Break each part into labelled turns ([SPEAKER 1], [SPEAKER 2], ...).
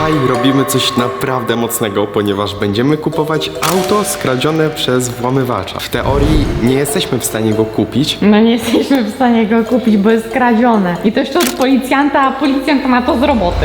[SPEAKER 1] Dzisiaj robimy coś naprawdę mocnego, ponieważ będziemy kupować auto skradzione przez włamywacza. W teorii nie jesteśmy w stanie go kupić.
[SPEAKER 2] No nie jesteśmy w stanie go kupić, bo jest kradzione. I to jeszcze od policjanta, a policjant ma to z roboty.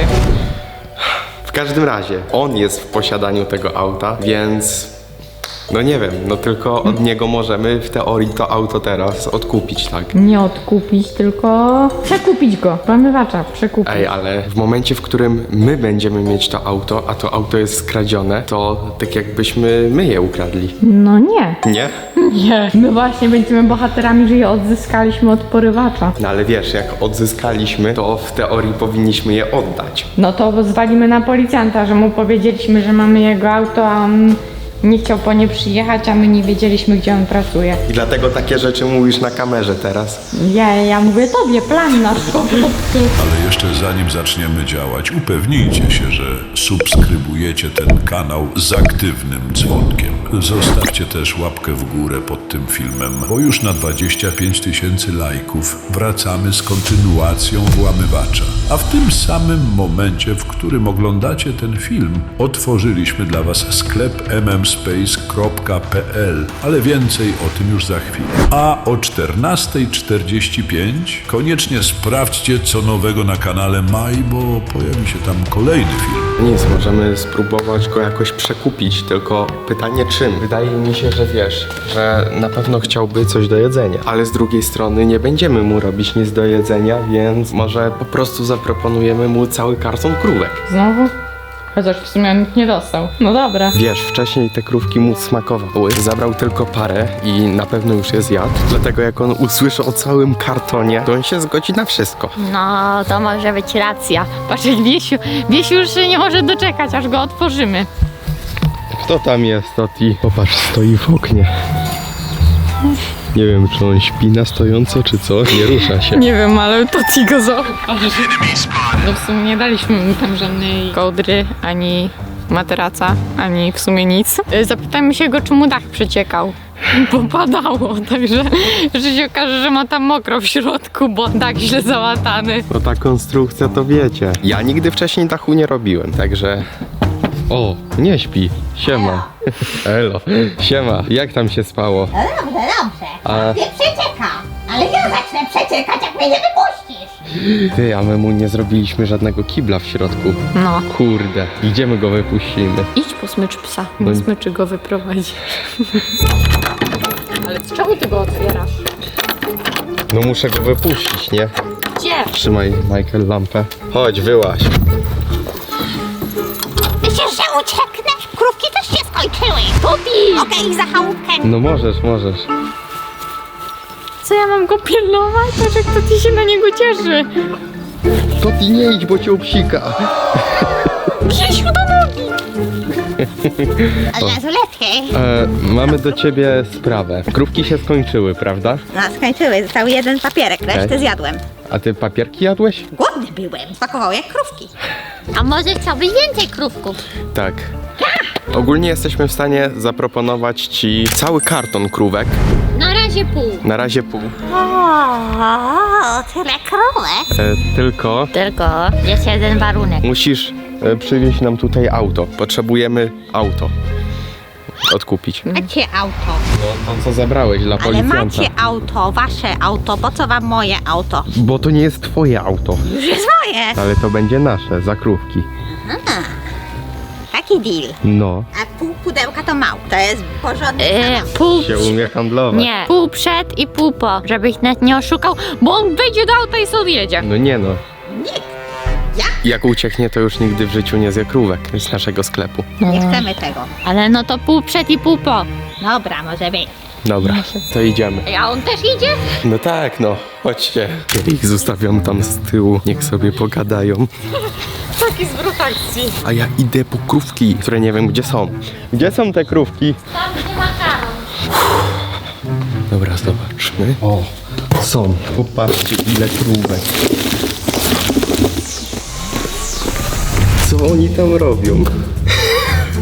[SPEAKER 1] W każdym razie, on jest w posiadaniu tego auta, więc... No nie wiem, no tylko od niego możemy w teorii to auto teraz odkupić, tak?
[SPEAKER 2] Nie odkupić, tylko przekupić go. Włamywacza, przekupić.
[SPEAKER 1] Ej, ale w momencie, w którym my będziemy mieć to auto, a to auto jest skradzione, to tak jakbyśmy my je ukradli.
[SPEAKER 2] No nie.
[SPEAKER 1] Nie?
[SPEAKER 2] Nie. My właśnie będziemy bohaterami, że je odzyskaliśmy od porywacza.
[SPEAKER 1] No ale wiesz, jak odzyskaliśmy, to w teorii powinniśmy je oddać.
[SPEAKER 2] No to zwalimy na policjanta, że mu powiedzieliśmy, że mamy jego auto, a on nie chciał po nie przyjechać, a my nie wiedzieliśmy, gdzie on pracuje.
[SPEAKER 1] I dlatego takie rzeczy mówisz na kamerze teraz.
[SPEAKER 2] Ja mówię tobie, plan nasz po prostu.
[SPEAKER 3] Ale jeszcze zanim zaczniemy działać, upewnijcie się, że subskrybujecie ten kanał z aktywnym dzwonkiem. Zostawcie też łapkę w górę pod tym filmem, bo już na 25 000 lajków wracamy z kontynuacją Włamywacza. A w tym samym momencie, w którym oglądacie ten film, otworzyliśmy dla Was sklep mmspace.pl, ale więcej o tym już za chwilę. A o 14:45 koniecznie sprawdźcie, co nowego na kanale Maj, bo pojawi się tam kolejny film.
[SPEAKER 1] Nic, możemy spróbować go jakoś przekupić, tylko pytanie czym? Wydaje mi się, że wiesz, że na pewno chciałby coś do jedzenia, ale z drugiej strony nie będziemy mu robić nic do jedzenia, więc może po prostu zaproponujemy mu cały karton krówek.
[SPEAKER 2] Znowu? Chociaż w sumie nikt nie dostał. No dobra.
[SPEAKER 1] Wiesz, wcześniej te krówki mu smakowały, zabrał tylko parę i na pewno już je zjadł, dlatego jak on usłyszy o całym kartonie, to on się zgodzi na wszystko.
[SPEAKER 2] No, to może być racja. Patrz, Wiesiu już się nie może doczekać, aż go otworzymy.
[SPEAKER 1] Kto tam jest, Toti? Popatrz, stoi w oknie. Nie wiem, czy on śpi na stojąco, czy co? Nie rusza się.
[SPEAKER 2] Nie wiem, ale to ci go zauważy. No w sumie nie daliśmy mu tam żadnej kołdry, ani materaca, ani w sumie nic. Zapytajmy się go, czy mu dach przeciekał. Bo padało, także że się okaże, że ma tam mokro w środku, bo dach źle załatany.
[SPEAKER 1] No ta konstrukcja to wiecie. Ja nigdy wcześniej dachu nie robiłem, także... O, nie śpi. Siema. Elo. Siema. Jak tam się spało?
[SPEAKER 4] No dobrze, dobrze.
[SPEAKER 1] A-
[SPEAKER 4] Nie przecieka. Ale ja zacznę przeciekać, jak mnie nie wypuścisz.
[SPEAKER 1] Ty, a my mu nie zrobiliśmy żadnego kibla w środku.
[SPEAKER 2] No.
[SPEAKER 1] Kurde. Gdzie my go wypuścimy?
[SPEAKER 2] Idź po smycz psa,
[SPEAKER 1] No
[SPEAKER 2] bo smyczy go wyprowadzi. Ale czemu ty go otwierasz?
[SPEAKER 1] No muszę go wypuścić, nie?
[SPEAKER 2] Gdzie?
[SPEAKER 1] Trzymaj, Michael, lampę. Chodź, wyłaź.
[SPEAKER 4] Myślisz, że ucieknę? Krówki też się skończyły. Pupi! Mogę ich za chałupkę.
[SPEAKER 1] No możesz.
[SPEAKER 2] Co ja mam go pilnować? Patrz, jak to ty się na niego cieszy.
[SPEAKER 1] Toti, nie idź, bo cię obsika.
[SPEAKER 2] Grzesiu, do nogi!
[SPEAKER 4] Od razu lepiej.
[SPEAKER 1] Mamy do ciebie sprawę. Krówki się skończyły, prawda?
[SPEAKER 4] No, skończyły. Został jeden papierek. Resztę
[SPEAKER 1] Okej.
[SPEAKER 4] zjadłem.
[SPEAKER 1] A ty papierki jadłeś?
[SPEAKER 4] Głodny byłem. Smakował jak krówki.
[SPEAKER 5] A może chciałbyś więcej krówków?
[SPEAKER 1] Tak. Ogólnie jesteśmy w stanie zaproponować ci cały karton krówek.
[SPEAKER 5] Na razie pół.
[SPEAKER 1] Na razie pół.
[SPEAKER 4] O, tyle krówek.
[SPEAKER 1] Tylko
[SPEAKER 5] Tylko jest jeden warunek.
[SPEAKER 1] musisz przywieźć nam tutaj auto. Potrzebujemy auto. Odkupić.
[SPEAKER 4] Macie auto.
[SPEAKER 1] No to co zabrałeś dla
[SPEAKER 4] Ale
[SPEAKER 1] policjanta.
[SPEAKER 4] macie auto, wasze auto. Po co wam moje auto?
[SPEAKER 1] Bo to nie jest twoje auto.
[SPEAKER 4] Już jest moje.
[SPEAKER 1] Ale to będzie nasze, za krówki.
[SPEAKER 4] Taki deal.
[SPEAKER 1] No.
[SPEAKER 4] A pół pudełka to mało. To jest porządny samochód.
[SPEAKER 5] Pół
[SPEAKER 1] Się umie handlować.
[SPEAKER 5] Nie, pół przed i pół po, żebyś nas nie oszukał, bo on wejdzie do auta i sobie jedzie.
[SPEAKER 1] No nie no.
[SPEAKER 4] Nie.
[SPEAKER 1] Jak ucieknie, to już nigdy w życiu nie zje krówek z naszego sklepu.
[SPEAKER 4] Nie chcemy tego.
[SPEAKER 5] Ale no to pół przed i pół po.
[SPEAKER 4] Dobra, może być.
[SPEAKER 1] Dobra, to idziemy.
[SPEAKER 5] A on też idzie?
[SPEAKER 1] No tak, no. Chodźcie. Ja ich zostawiam tam z tyłu. Niech sobie pogadają.
[SPEAKER 2] Taki zwrot akcji.
[SPEAKER 1] A ja idę po krówki, które nie wiem gdzie są. Gdzie są te krówki?
[SPEAKER 5] Tam gdzie makaron.
[SPEAKER 1] Dobra, zobaczmy. O, są. Popatrzcie ile krówek. Co oni tam robią?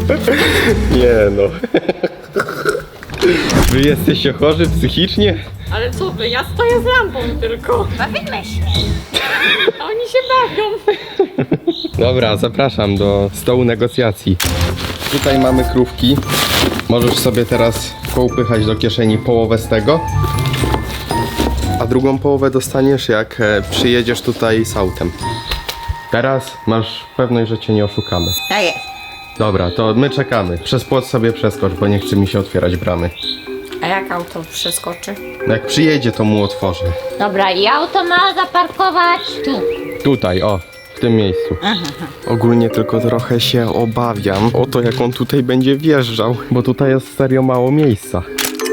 [SPEAKER 1] Nie no. Wy jesteście chorzy psychicznie?
[SPEAKER 2] Ale co wy, ja stoję z lampą tylko.
[SPEAKER 4] Bawimy się.
[SPEAKER 2] A oni się bawią.
[SPEAKER 1] Dobra, zapraszam do stołu negocjacji. Tutaj mamy krówki. Możesz sobie teraz poupychać do kieszeni połowę z tego. A drugą połowę dostaniesz, jak przyjedziesz tutaj z autem. Teraz masz pewność, że cię nie oszukamy.
[SPEAKER 4] Tak jest.
[SPEAKER 1] Dobra, to my czekamy. Przez płot sobie przeskocz, bo nie chce mi się otwierać bramy.
[SPEAKER 2] A jak auto przeskoczy?
[SPEAKER 1] Jak przyjedzie, to mu otworzę.
[SPEAKER 5] Dobra, i auto ma zaparkować tu.
[SPEAKER 1] Tutaj, o, w tym miejscu. Ogólnie tylko trochę się obawiam o to, jak on tutaj będzie wjeżdżał, bo tutaj jest serio mało miejsca.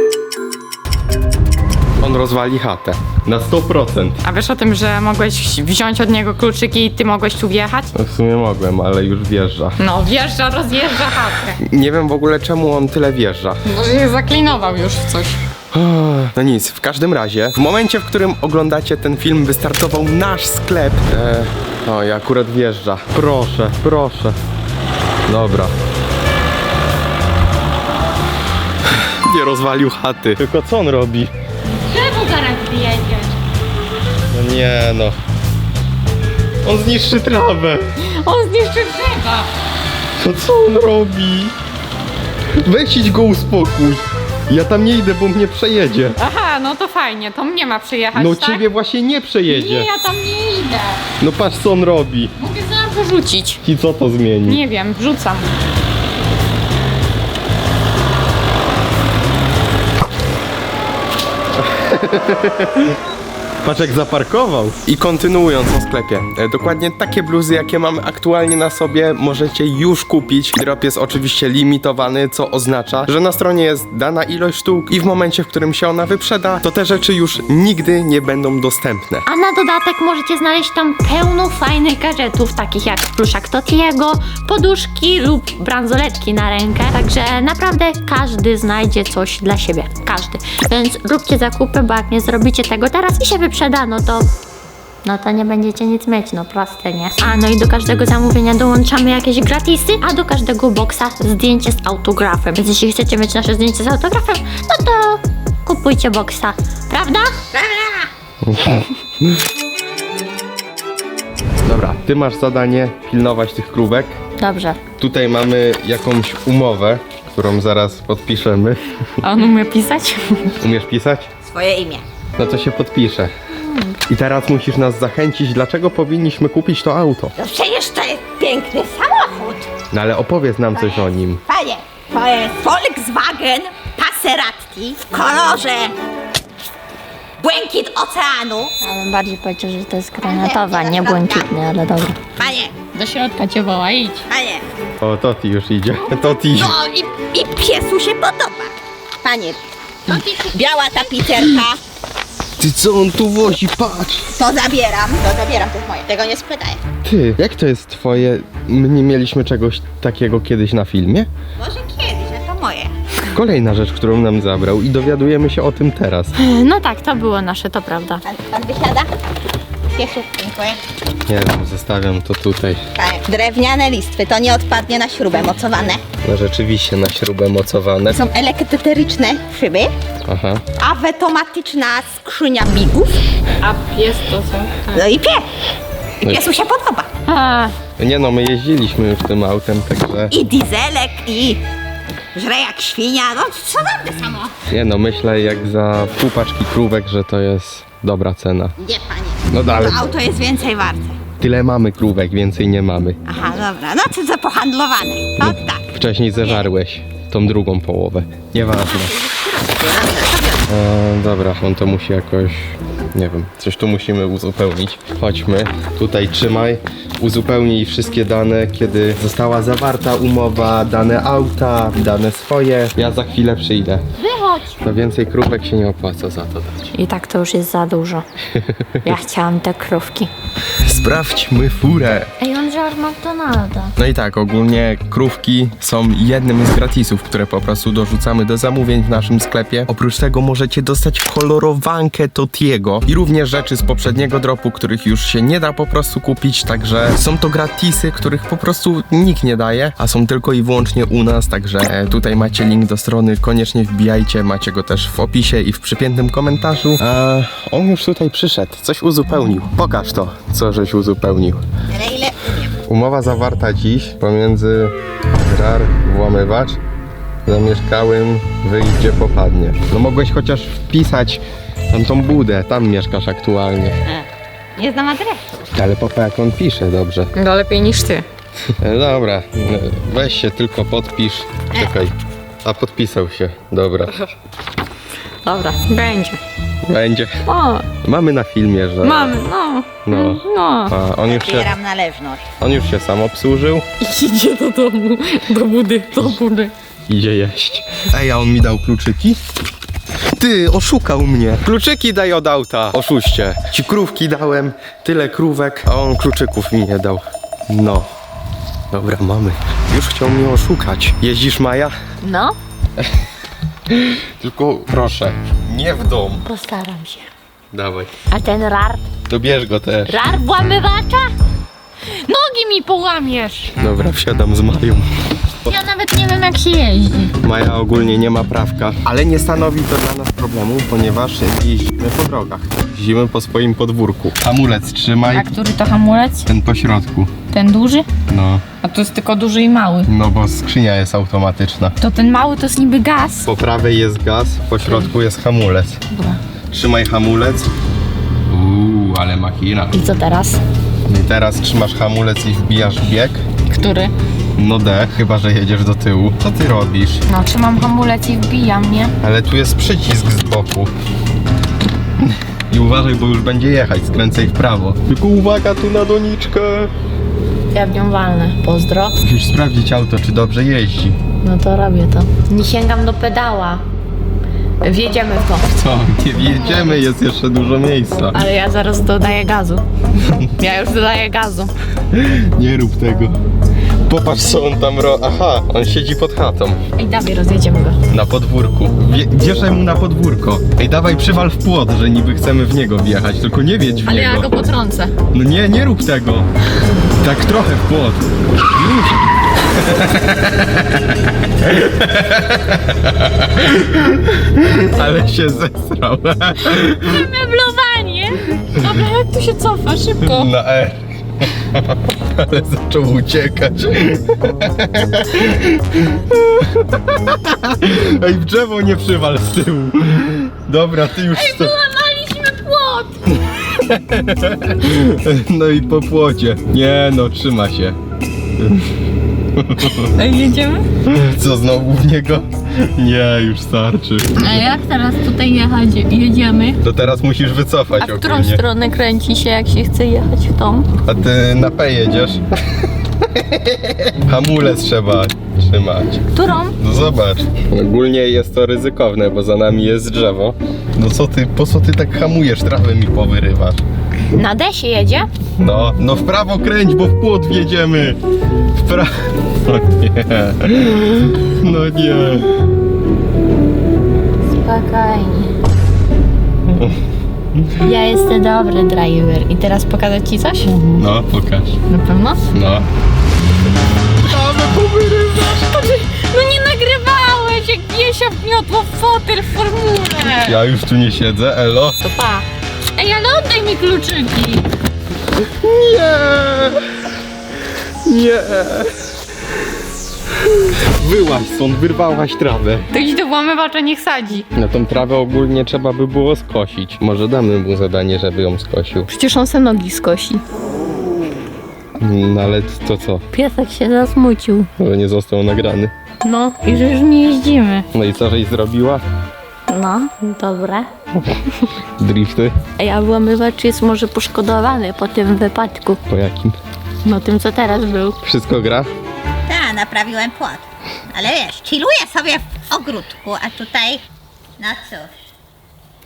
[SPEAKER 1] On rozwali chatę. Na 100%.
[SPEAKER 2] A wiesz o tym, że mogłeś wziąć od niego kluczyki i ty mogłeś tu wjechać?
[SPEAKER 1] No w sumie mogłem, ale już wjeżdża.
[SPEAKER 2] No, wjeżdża, rozjeżdża chatę.
[SPEAKER 1] Nie wiem w ogóle, czemu on tyle wjeżdża.
[SPEAKER 2] Może się zaklinował już w coś.
[SPEAKER 1] No nic, w każdym razie, w momencie, w którym oglądacie ten film, wystartował nasz sklep. O, i akurat wjeżdża. Proszę, proszę. Dobra. Nie rozwalił chaty. Tylko co on robi?
[SPEAKER 5] Drzewo zaraz wyjedzie.
[SPEAKER 1] No nie no. On zniszczy trawę.
[SPEAKER 2] On zniszczy drzewa.
[SPEAKER 1] To co on robi? Weź idź go uspokój. Ja tam nie idę, bo mnie przejedzie.
[SPEAKER 2] Aha, no to fajnie, to mnie ma przyjechać,
[SPEAKER 1] No
[SPEAKER 2] tak?
[SPEAKER 1] ciebie właśnie nie przejedzie.
[SPEAKER 2] Nie, ja tam nie idę.
[SPEAKER 1] No patrz co on robi.
[SPEAKER 2] Mogę zaraz wyrzucić.
[SPEAKER 1] I co to zmieni?
[SPEAKER 2] Nie wiem, wrzucam.
[SPEAKER 1] Patrz jak zaparkował. I kontynuując o sklepie. Dokładnie takie bluzy, jakie mamy aktualnie na sobie, możecie już kupić. Drop jest oczywiście limitowany, co oznacza, że na stronie jest dana ilość sztuk i w momencie, w którym się ona wyprzeda, to te rzeczy już nigdy nie będą dostępne.
[SPEAKER 5] A na dodatek możecie znaleźć tam pełno fajnych gadżetów, takich jak pluszak Totiego, poduszki lub bransoletki na rękę. Także naprawdę każdy znajdzie coś dla siebie. Każdy. Więc róbcie zakupy, bo jak nie zrobicie tego teraz i się wyprzeda, no to nie będziecie nic mieć, no proste, nie? A no i do każdego zamówienia dołączamy jakieś gratisy, a do każdego boksa zdjęcie z autografem. Więc jeśli chcecie mieć nasze zdjęcie z autografem, no to kupujcie boksa, prawda?
[SPEAKER 1] Dobra, ty masz zadanie pilnować tych krówek.
[SPEAKER 5] Dobrze.
[SPEAKER 1] Tutaj mamy jakąś umowę, którą zaraz podpiszemy.
[SPEAKER 2] A on umie pisać?
[SPEAKER 1] Umiesz pisać?
[SPEAKER 4] Swoje imię.
[SPEAKER 1] No to się podpisze. I teraz musisz nas zachęcić, dlaczego powinniśmy kupić to auto.
[SPEAKER 4] No przecież to jest piękny samochód.
[SPEAKER 1] No ale opowiedz nam coś o nim.
[SPEAKER 4] Panie, to jest Volkswagen Passeratti w kolorze błękit oceanu.
[SPEAKER 5] Ja bym bardziej powiedział, że to jest granatowa, nie błękitny, ale dobra.
[SPEAKER 4] Panie,
[SPEAKER 2] Do środka cię woła, idź.
[SPEAKER 4] panie.
[SPEAKER 1] O, Toti już idzie. Toti.
[SPEAKER 4] No i piesu się podoba. Panie, biała tapicerka.
[SPEAKER 1] Ty co on tu wozi? Patrz.
[SPEAKER 4] To zabieram, to jest moje. Tego nie spytaj.
[SPEAKER 1] Ty, jak to jest twoje? My nie mieliśmy czegoś takiego kiedyś na filmie?
[SPEAKER 4] Może kiedyś, ale to moje.
[SPEAKER 1] Kolejna rzecz, którą nam zabrał i dowiadujemy się o tym teraz.
[SPEAKER 5] No tak, to było nasze, to prawda.
[SPEAKER 4] Pan wysiada? Piesiu, dziękuję.
[SPEAKER 1] Nie wiem, zostawiam to tutaj.
[SPEAKER 4] Panie, drewniane listwy, to nie odpadnie na śrubę mocowane.
[SPEAKER 1] No rzeczywiście na śrubę mocowane.
[SPEAKER 4] Są elektryczne szyby,
[SPEAKER 1] Aha.
[SPEAKER 4] automatyczna skrzynia bigów.
[SPEAKER 2] A pies to co?
[SPEAKER 4] No i pies. I
[SPEAKER 1] No i-
[SPEAKER 4] piesu się podoba.
[SPEAKER 2] A,
[SPEAKER 1] Nie no, my jeździliśmy już tym autem, także...
[SPEAKER 4] I dieselek, i żre jak świnia. No cudowne samo.
[SPEAKER 1] Nie no, myślę jak za pół paczki krówek, że to jest dobra cena.
[SPEAKER 4] Nie, panie.
[SPEAKER 1] No dalej.
[SPEAKER 4] To auto jest więcej warte.
[SPEAKER 1] Tyle mamy krówek, więcej nie mamy.
[SPEAKER 4] Aha, dobra. No to za pohandlowane. To tak.
[SPEAKER 1] Wcześniej zeżarłeś tą drugą połowę. Nieważne. Dobra, on to musi jakoś... Nie wiem, coś tu musimy uzupełnić. Chodźmy, tutaj trzymaj. Uzupełnij wszystkie dane, kiedy została zawarta umowa, dane auta, dane swoje. Ja za chwilę przyjdę.
[SPEAKER 5] Wychodź!
[SPEAKER 1] To więcej krówek się nie opłaca za to dać.
[SPEAKER 5] I tak to już jest za dużo. Ja chciałam te krówki.
[SPEAKER 1] Sprawdźmy furę.
[SPEAKER 5] Ej, on wziął masz McDonalda.
[SPEAKER 1] No i tak, ogólnie krówki są jednym z gratisów, które po prostu dorzucamy do zamówień w naszym sklepie. Oprócz tego możecie dostać kolorowankę Totiego i również rzeczy z poprzedniego dropu, których już się nie da po prostu kupić, także są to gratisy, których po prostu nikt nie daje, a są tylko i wyłącznie u nas, także tutaj macie link do strony, koniecznie wbijajcie, macie go też w opisie i w przypiętym komentarzu. A on już tutaj przyszedł, coś uzupełnił. Pokaż to, co żeś uzupełnił.
[SPEAKER 4] Ale ile umiem.
[SPEAKER 1] Umowa zawarta dziś pomiędzy RAR Włamywacz zamieszkałym wyjdzie popadnie. No mogłeś chociaż wpisać tam tą budę, tam mieszkasz aktualnie.
[SPEAKER 5] Nie znam adresu.
[SPEAKER 1] Ale papa jak on pisze dobrze.
[SPEAKER 2] No lepiej niż ty.
[SPEAKER 1] Dobra, weź się tylko podpisz. Czekaj. A podpisał się, dobra.
[SPEAKER 2] Dobra, będzie.
[SPEAKER 1] Będzie.
[SPEAKER 2] O,
[SPEAKER 1] Mamy na filmie, że...
[SPEAKER 2] mamy, no.
[SPEAKER 1] No.
[SPEAKER 2] No.
[SPEAKER 1] A
[SPEAKER 4] Zbieram należność.
[SPEAKER 1] on już się sam obsłużył.
[SPEAKER 2] Idzie do domu, do budy.
[SPEAKER 1] Idzie jeść. Ej, a on mi dał kluczyki? Ty, oszukał mnie. Kluczyki daj od auta. Oszuście. Ci krówki dałem, tyle krówek, a on kluczyków mi nie dał. No. Dobra, mamy. Już chciał mnie oszukać. Jeździsz, Maja?
[SPEAKER 5] No,
[SPEAKER 1] Tylko proszę, nie w dom.
[SPEAKER 5] postaram się.
[SPEAKER 1] Dawaj.
[SPEAKER 5] A ten rar?
[SPEAKER 1] Dobierz go też.
[SPEAKER 5] Rar włamywacza?
[SPEAKER 2] Nogi mi połamiesz.
[SPEAKER 1] Dobra, wsiadam z Mają.
[SPEAKER 2] Ja nawet nie wiem jak się jeździ.
[SPEAKER 1] Maja ogólnie nie ma prawka, ale nie stanowi to dla nas problemu, ponieważ jeździmy po drogach. Jeździmy po swoim podwórku. Hamulec trzymaj,
[SPEAKER 2] A który to hamulec?
[SPEAKER 1] ten po środku.
[SPEAKER 2] Ten duży?
[SPEAKER 1] No,
[SPEAKER 2] A to jest tylko duży i mały.
[SPEAKER 1] no bo skrzynia jest automatyczna.
[SPEAKER 2] To ten mały to jest niby gaz.
[SPEAKER 1] Po prawej jest gaz, po środku jest hamulec.
[SPEAKER 2] Dobra.
[SPEAKER 1] Trzymaj hamulec. Ale machina.
[SPEAKER 2] I co teraz?
[SPEAKER 1] I teraz trzymasz hamulec i wbijasz bieg.
[SPEAKER 2] Który?
[SPEAKER 1] No D, chyba że jedziesz do tyłu. Co ty robisz?
[SPEAKER 2] No, trzymam hamulec i wbijam, nie?
[SPEAKER 1] Ale tu jest przycisk z boku. I uważaj, bo już będzie jechać, skręcaj w prawo. Tylko uwaga tu na doniczkę.
[SPEAKER 5] Ja w nią walnę. Pozdro.
[SPEAKER 1] Musisz sprawdzić auto, czy dobrze jeździ.
[SPEAKER 5] No to robię to. Nie sięgam do pedała. Wjedziemy w to.
[SPEAKER 1] Co? Nie wjedziemy, jest jeszcze dużo miejsca.
[SPEAKER 2] Ale ja zaraz dodaję gazu. Ja już dodaję gazu.
[SPEAKER 1] Nie rób tego. Popatrz, co on tam Aha, on siedzi pod chatą.
[SPEAKER 2] Ej, dawaj, rozjedziemy go.
[SPEAKER 1] Na podwórku. Wjeżdżaj mu na podwórko. Ej, dawaj, przywal w płot, że niby chcemy w niego wjechać, tylko nie wiedź w
[SPEAKER 2] Ale
[SPEAKER 1] niego.
[SPEAKER 2] ja go potrącę.
[SPEAKER 1] No nie rób tego. Tak trochę w płot. Już. Ale się zesrał.
[SPEAKER 2] Meblowanie! Dobra, jak tu się cofa? Szybko.
[SPEAKER 1] Na E. Ale zaczął uciekać. Ej, w drzewo nie przywal z tyłu. Dobra, ty już...
[SPEAKER 2] Złamaliśmy płot!
[SPEAKER 1] No i po płocie. Nie no, trzyma się.
[SPEAKER 2] Ej, jedziemy?
[SPEAKER 1] Co, znowu w niego? Nie, już starczy.
[SPEAKER 2] A jak teraz tutaj jechać? Jedziemy?
[SPEAKER 1] To teraz musisz wycofać
[SPEAKER 2] A w którą
[SPEAKER 1] ogólnie.
[SPEAKER 2] stronę kręci się, jak się chce jechać w tą?
[SPEAKER 1] A ty na P jedziesz? Hamulec trzeba trzymać.
[SPEAKER 2] Którą?
[SPEAKER 1] No zobacz. Ogólnie jest to ryzykowne, bo za nami jest drzewo. No co ty, po co ty tak hamujesz? Trawę mi powyrywasz.
[SPEAKER 5] Na D się jedzie?
[SPEAKER 1] No w prawo kręć, bo w płot wjedziemy. W prawo. No nie. No nie.
[SPEAKER 5] Spokojnie. Ja jestem dobry driver.
[SPEAKER 2] I teraz pokazać ci coś?
[SPEAKER 1] No, pokaż.
[SPEAKER 2] Na pewno?
[SPEAKER 1] No. Trawę powyrywasz.
[SPEAKER 2] No nie nagrywałeś, jak Biesia wmiotła w fotel w formule.
[SPEAKER 1] Ja już tu nie siedzę, elo.
[SPEAKER 2] To pa. Ej, ale oddaj mi kluczyki.
[SPEAKER 1] Nie! Nie! Wyłaź stąd, wyrwałaś trawę.
[SPEAKER 2] To idź do włamywacza, niech sadzi.
[SPEAKER 1] Na tą trawę ogólnie trzeba by było skosić. Może damy mu zadanie, żeby ją skosił.
[SPEAKER 2] Przecież on se nogi skosi.
[SPEAKER 1] No ale to co?
[SPEAKER 5] Piesek się zasmucił.
[SPEAKER 1] Że nie został nagrany.
[SPEAKER 2] No, i że już nie jeździmy.
[SPEAKER 1] No i co żeś zrobiła?
[SPEAKER 5] No, dobre.
[SPEAKER 1] Drifty?
[SPEAKER 5] Ej, a włamywacz jest może poszkodowany po tym wypadku.
[SPEAKER 1] Po jakim?
[SPEAKER 5] No tym, co teraz był.
[SPEAKER 1] Wszystko gra?
[SPEAKER 4] Tak, naprawiłem płot. Ale wiesz, chilluję sobie w ogródku, a tutaj... No cóż.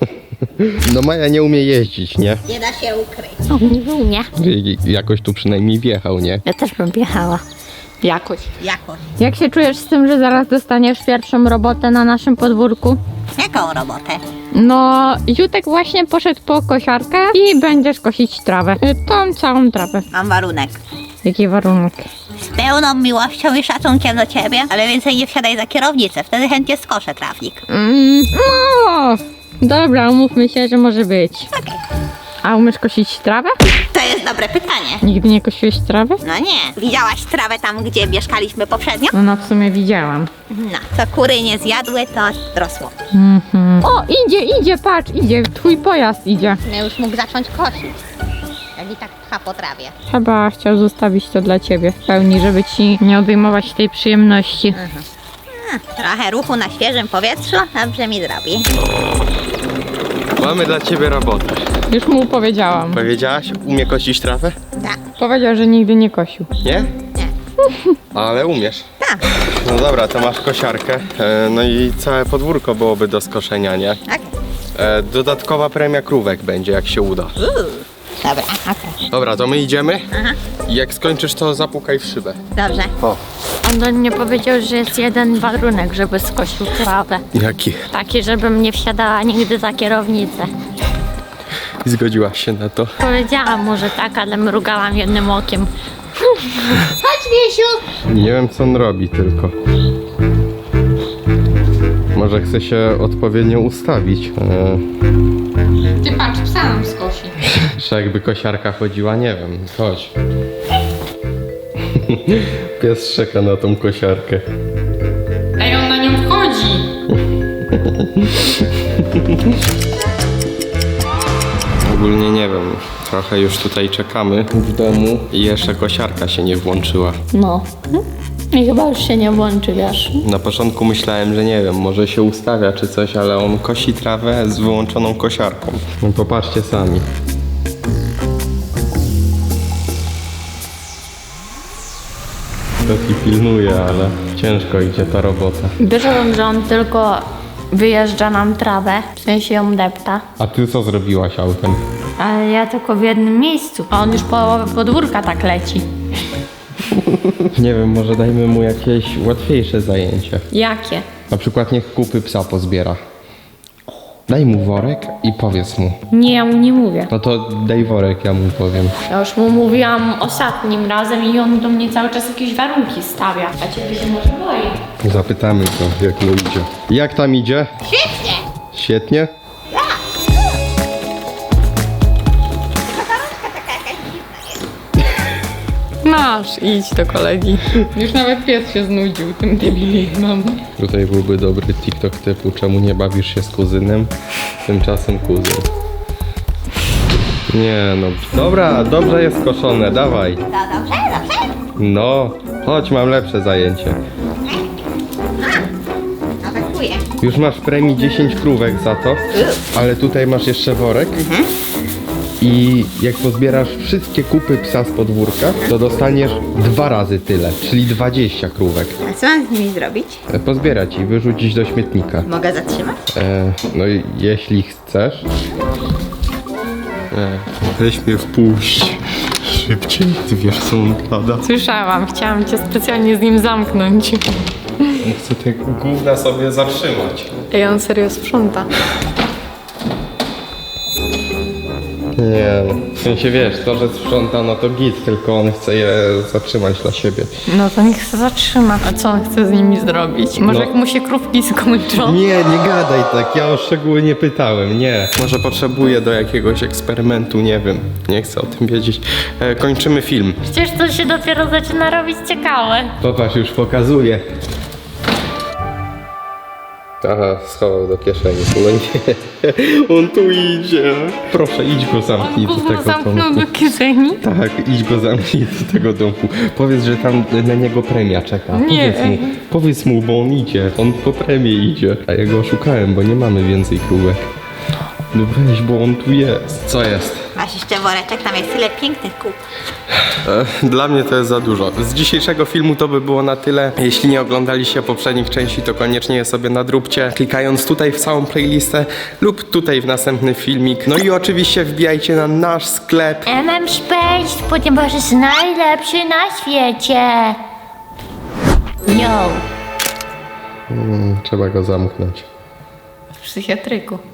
[SPEAKER 1] No Maja nie umie jeździć, nie?
[SPEAKER 4] Nie da się ukryć.
[SPEAKER 5] O, nie umie.
[SPEAKER 1] Jakoś tu przynajmniej wjechał, nie?
[SPEAKER 5] Ja też bym jechała.
[SPEAKER 2] Jakoś.
[SPEAKER 4] Jakoś.
[SPEAKER 2] Jak się czujesz z tym, że zaraz dostaniesz pierwszą robotę na naszym podwórku?
[SPEAKER 4] Jaką robotę?
[SPEAKER 2] No, Jutek właśnie poszedł po kosiarkę i będziesz kosić trawę. Tą całą trawę.
[SPEAKER 4] Mam warunek.
[SPEAKER 2] Jaki warunek?
[SPEAKER 4] Z pełną miłością i szacunkiem do ciebie, ale więcej nie wsiadaj za kierownicę, wtedy chętnie skoszę trawnik.
[SPEAKER 2] No, dobra, umówmy się, że może być.
[SPEAKER 4] Okej.
[SPEAKER 2] A umiesz kosić trawę?
[SPEAKER 4] To jest dobre pytanie.
[SPEAKER 2] Nigdy nie kosiłeś trawy?
[SPEAKER 4] No nie. Widziałaś trawę tam, gdzie mieszkaliśmy poprzednio?
[SPEAKER 2] No, w sumie widziałam.
[SPEAKER 4] No, co kury nie zjadły, to rosło.
[SPEAKER 2] O, idzie, patrz, idzie, twój pojazd idzie.
[SPEAKER 4] Ja już mógł zacząć kosić. Jak i tak pcha po trawie.
[SPEAKER 2] Chyba chciał zostawić to dla ciebie w pełni, żeby ci nie odejmować tej przyjemności.
[SPEAKER 4] Trochę ruchu na świeżym powietrzu dobrze mi zrobi.
[SPEAKER 1] Mamy dla ciebie robotę.
[SPEAKER 2] Już mu powiedziałam.
[SPEAKER 1] Powiedziałaś, umie kosić trawę?
[SPEAKER 4] Tak.
[SPEAKER 2] Powiedział, że nigdy nie kosił.
[SPEAKER 1] Nie?
[SPEAKER 4] Nie.
[SPEAKER 1] Ale umiesz.
[SPEAKER 4] Tak.
[SPEAKER 1] No dobra, to masz kosiarkę. No i całe podwórko byłoby do skoszenia, nie?
[SPEAKER 4] Tak?
[SPEAKER 1] Dodatkowa premia krówek będzie, jak się uda.
[SPEAKER 4] Dobra, okej.
[SPEAKER 1] Dobra, to my idziemy. I jak skończysz, to zapukaj w szybę.
[SPEAKER 4] Dobrze.
[SPEAKER 1] O,
[SPEAKER 5] On do mnie powiedział, że jest jeden warunek, żeby skosił trawę.
[SPEAKER 1] jaki?
[SPEAKER 5] Taki, żebym nie wsiadała nigdy za kierownicę.
[SPEAKER 1] Zgodziłaś się na to.
[SPEAKER 5] Powiedziałam mu, że tak, ale mrugałam jednym okiem. Chodź, Wiesiu!
[SPEAKER 1] Nie wiem, co on robi tylko. Może chce się odpowiednio ustawić.
[SPEAKER 2] Ty patrz, psa nam skosi.
[SPEAKER 1] Czy jakby kosiarka chodziła, nie wiem. Chodź. Pies czeka na tą kosiarkę.
[SPEAKER 2] Ej, on na nią wchodzi.
[SPEAKER 1] Ogólnie nie wiem. Trochę już tutaj czekamy w domu i jeszcze kosiarka się nie włączyła.
[SPEAKER 5] No. I chyba już się nie włączy, wiesz.
[SPEAKER 1] Na początku myślałem, że nie wiem, może się ustawia czy coś, ale on kosi trawę z wyłączoną kosiarką. No popatrzcie sami. Taki pilnuje, ale ciężko idzie ta robota.
[SPEAKER 5] Wyszedłem, że on tylko wyjeżdża nam trawę, w sensie ją depta.
[SPEAKER 1] A ty co zrobiłaś autem?
[SPEAKER 5] Ale ja tylko w jednym miejscu. A on już połowę podwórka tak leci.
[SPEAKER 1] Nie wiem, może dajmy mu jakieś łatwiejsze zajęcie.
[SPEAKER 5] Jakie?
[SPEAKER 1] Na przykład niech kupy psa pozbiera. Daj mu worek i powiedz mu.
[SPEAKER 5] Nie, ja mu nie mówię.
[SPEAKER 1] No to daj worek, ja mu powiem.
[SPEAKER 5] Ja już mu mówiłam ostatnim razem i on do mnie cały czas jakieś warunki stawia. A ciebie się może boi.
[SPEAKER 1] Zapytamy go, jak mu idzie. Jak tam idzie?
[SPEAKER 4] Świetnie.
[SPEAKER 1] Świetnie?
[SPEAKER 2] Masz, idź do kolegi. Już nawet pies się znudził tym debilizmem.
[SPEAKER 1] Tutaj byłby dobry TikTok typu czemu nie bawisz się z kuzynem? Tymczasem kuzyn. Nie no. Dobra, dobrze jest koszone, dawaj.
[SPEAKER 4] To dobrze, dobrze?
[SPEAKER 1] No, chodź, mam lepsze zajęcie.
[SPEAKER 4] Atakuje.
[SPEAKER 1] Już masz premii 10 krówek za to, ale tutaj masz jeszcze worek. I jak pozbierasz wszystkie kupy psa z podwórka, to dostaniesz 2 razy tyle, czyli 20 krówek.
[SPEAKER 4] A co mam z nimi zrobić?
[SPEAKER 1] Pozbierać i wyrzucić do śmietnika.
[SPEAKER 4] Mogę zatrzymać?
[SPEAKER 1] No i jeśli chcesz. Weź mnie wpuść. Szybciej, ty wiesz co on pada.
[SPEAKER 2] Słyszałam, chciałam cię specjalnie z nim zamknąć.
[SPEAKER 1] On chce te gówna sobie zatrzymać.
[SPEAKER 2] Ej, on serio sprząta.
[SPEAKER 1] Nie no, w sensie wiesz, to, że sprząta, no to git, tylko on chce je zatrzymać dla siebie.
[SPEAKER 2] No to niech się zatrzyma. A co on chce z nimi zrobić? Może
[SPEAKER 1] No.
[SPEAKER 2] jak mu się krówki skończą?
[SPEAKER 1] Nie gadaj tak, ja o szczegóły nie pytałem, nie. Może potrzebuję do jakiegoś eksperymentu, nie wiem, nie chcę o tym wiedzieć. Kończymy film.
[SPEAKER 5] Przecież to się dopiero zaczyna robić ciekawe.
[SPEAKER 1] Popatrz, już pokazuję. Aha, schował do kieszeni. No nie, on tu idzie. Proszę, idź go zamknij do
[SPEAKER 2] Gówno
[SPEAKER 1] tego
[SPEAKER 2] zamknął
[SPEAKER 1] domku.
[SPEAKER 2] do kieszeni?
[SPEAKER 1] Tak, idź go zamknij do tego domku. Powiedz, że tam na niego premia czeka.
[SPEAKER 2] Nie.
[SPEAKER 1] Powiedz mu, bo on idzie. On po premię idzie. A ja go oszukałem, bo nie mamy więcej krówek. No weź, bo on tu jest. Co jest?
[SPEAKER 4] Masz weź jeszcze woreczek, tam jest tyle pięknych kół.
[SPEAKER 1] Dla mnie to jest za dużo. Z dzisiejszego filmu to by było na tyle. Jeśli nie oglądaliście poprzednich części, to koniecznie je sobie nadróbcie, klikając tutaj w całą playlistę lub tutaj w następny filmik. No i oczywiście wbijajcie na nasz sklep.
[SPEAKER 5] MM Space, ponieważ jest najlepszy na świecie. Yo.
[SPEAKER 1] Trzeba go zamknąć.
[SPEAKER 2] W psychiatryku.